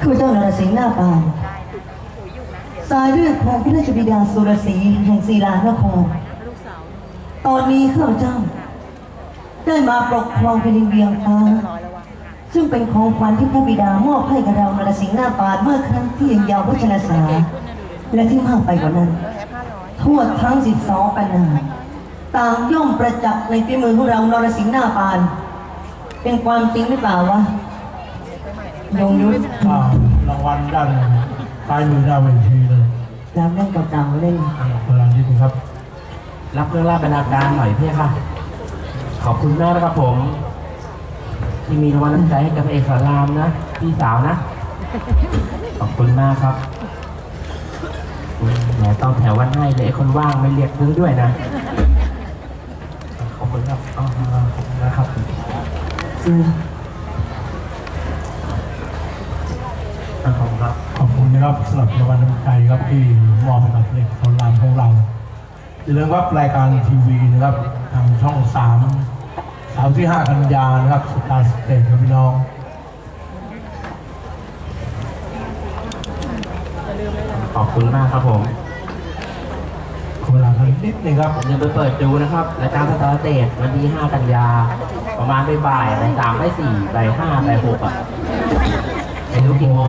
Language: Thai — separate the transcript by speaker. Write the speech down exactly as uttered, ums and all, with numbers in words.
Speaker 1: ข้าพเจ้านรสิงห์หน้าปานสายเลือดของพระราชบิดาสุรศรีแห่งศิลานครตอนนี้ข้าพเจ้าได้มาปกครองแผ่นดินเวียงฟ้าซึ่งเป็นของขวัญที่พระบิดามอบให้กับเรานรสิงห์หน้าปานเมื่อครั้งที่ยังเยาว์วัชรสาและที่มากไปกว่านั้นทั่วทั้งสิบสองปันนาต่างย่อมประจักษ์ในฝีมือของเรานรสิงห์หน้าปานเป็นความจริงหรือเปล่าวะยงยุทธ
Speaker 2: อ่ารางวัลด้านซ้ายมือหน้าเวทีเลย
Speaker 1: แล้วเล่นเก่าๆเล่น
Speaker 2: พลังนิดนึงครับ
Speaker 3: รับเรื่องราชบรรณาการหน่อยพี่ค่ะ ขอบคุณมากนะครับผม ที่มีรางวัลน้ำใจให้กับพระเอกสอนรามนะพี่สาวนะ ขอบคุณมากครับแหมต้องแถววันให้เลยไอ้คนว่างไม่เรียกนึงด้วยนะ ขอบคุณครับอ๋อขอบคุณนะครับ
Speaker 1: คือ
Speaker 3: ขอบคุณครับ
Speaker 2: ขอบคุณนะครับสำหรับรางวัลน้ำใจครับที่มอบให้กับเด็กคนรามของเราอย่าลืมครับรายการทีวีนะครับทางช่องสามสามที่ห้ากันยานะครับสตาร์สเตทครับพี่น้อง
Speaker 3: ขอบคุณมากครับผม
Speaker 2: ขอเวลากันนิดนึงครับ
Speaker 3: อย่าลืมไปเปิดดูนะครับรายการสตาร์เตจวันที่ห้ากันยา ประมาณบ่ายๆบ่ายสามบ่ายสี่บ่ายห้าบ่ายหกอ่ะไม่รู้กี่โมง